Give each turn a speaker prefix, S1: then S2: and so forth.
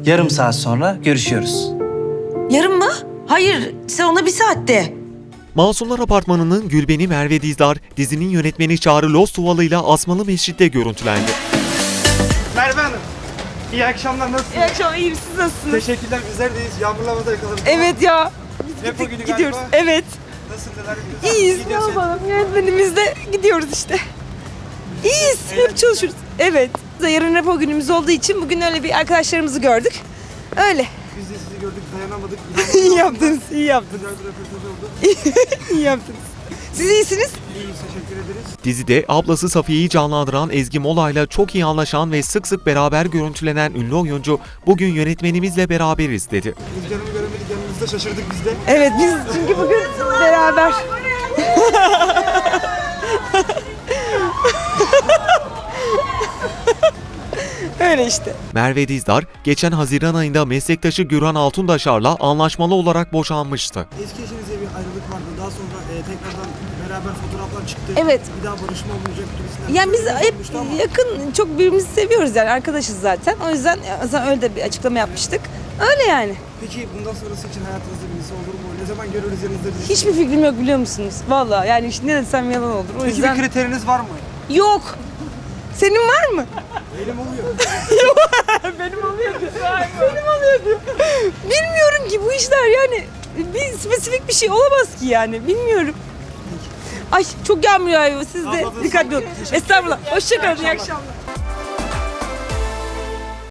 S1: Yarım saat sonra görüşüyoruz.
S2: Yarın mı? Hayır, sen ona bir saatte.
S3: Masumlar Apartmanı'nın Gülbeni Merve Dizdar, dizinin yönetmeni Çağrı Lostuvalı ile Asmalı Mescid'de görüntülendi.
S4: Merve Hanım, iyi akşamlar, nasılsınız?
S2: İyi akşamlar, iyiyim. Siz nasılsınız?
S4: Teşekkürler, bizler deyiz. Yağmurlamada yakaladık.
S2: Evet ya.
S4: Repo günü
S2: Gidiyoruz.
S4: galiba.
S2: Evet.
S4: Nasıl, neler yapıyorsunuz?
S2: İyiyiz, ne
S4: Gidiyorsun.
S2: yapalım? Yönetmenimizle gidiyoruz işte. İyiyiz, hep çalışıyoruz. Evet. Yarın repo günümüz olduğu için bugün öyle bir arkadaşlarımızı gördük. Öyle.
S4: Biz de sizi gördük, dayanamadık.
S2: İyi yaptınız, iyi yaptınız.
S4: Güzel bir röportaj oldu.
S2: İyi yaptınız. Siz iyisiniz?
S4: İyiyiz, teşekkür ederiz.
S3: Dizide ablası Safiye'yi canlandıran Ezgi Mola'yla çok iyi anlaşan ve sık sık beraber görüntülenen ünlü oyuncu bugün yönetmenimizle beraberiz dedi.
S4: Rüzgar'ı göremedik, yanımızda şaşırdık biz de.
S2: Evet, biz çünkü bugün beraber. Öyle işte.
S3: Merve Dizdar, geçen Haziran ayında meslektaşı Gürhan Altundaşar'la anlaşmalı olarak boşanmıştı.
S4: Eski eşinizle bir ayrılık vardı. Daha sonra tekrardan beraber fotoğraflar çıktı.
S2: Evet.
S4: Bir daha barışma olmayacak gibisinden.
S2: Yani biz
S4: Söylemler
S2: hep
S4: olmuştu ama
S2: yakın, çok birbirimizi seviyoruz yani arkadaşız zaten. O yüzden öyle de bir açıklama yapmıştık. Öyle yani.
S4: Peki bundan sonrası için hayatınızda birisi olur mu? Ne zaman görürüz yanınızda birisi?
S2: Hiçbir fikrim yok biliyor musunuz? Vallahi yani işte ne desem yalan olur. O
S4: Peki
S2: yüzden
S4: bir kriteriniz var mı?
S2: yok. Senin var mı?
S4: Benim oluyor.
S2: Benim oluyor diyor. Benim oluyor diyor. Bilmiyorum ki bu işler yani bir spesifik bir şey olamaz ki yani. Bilmiyorum. Ay çok yağmur yağıyor. Siz de
S4: Abla,
S2: dikkatli olun.
S4: teşekkür
S2: Estağfurullah. Hoşçakalın. İyi akşamlar.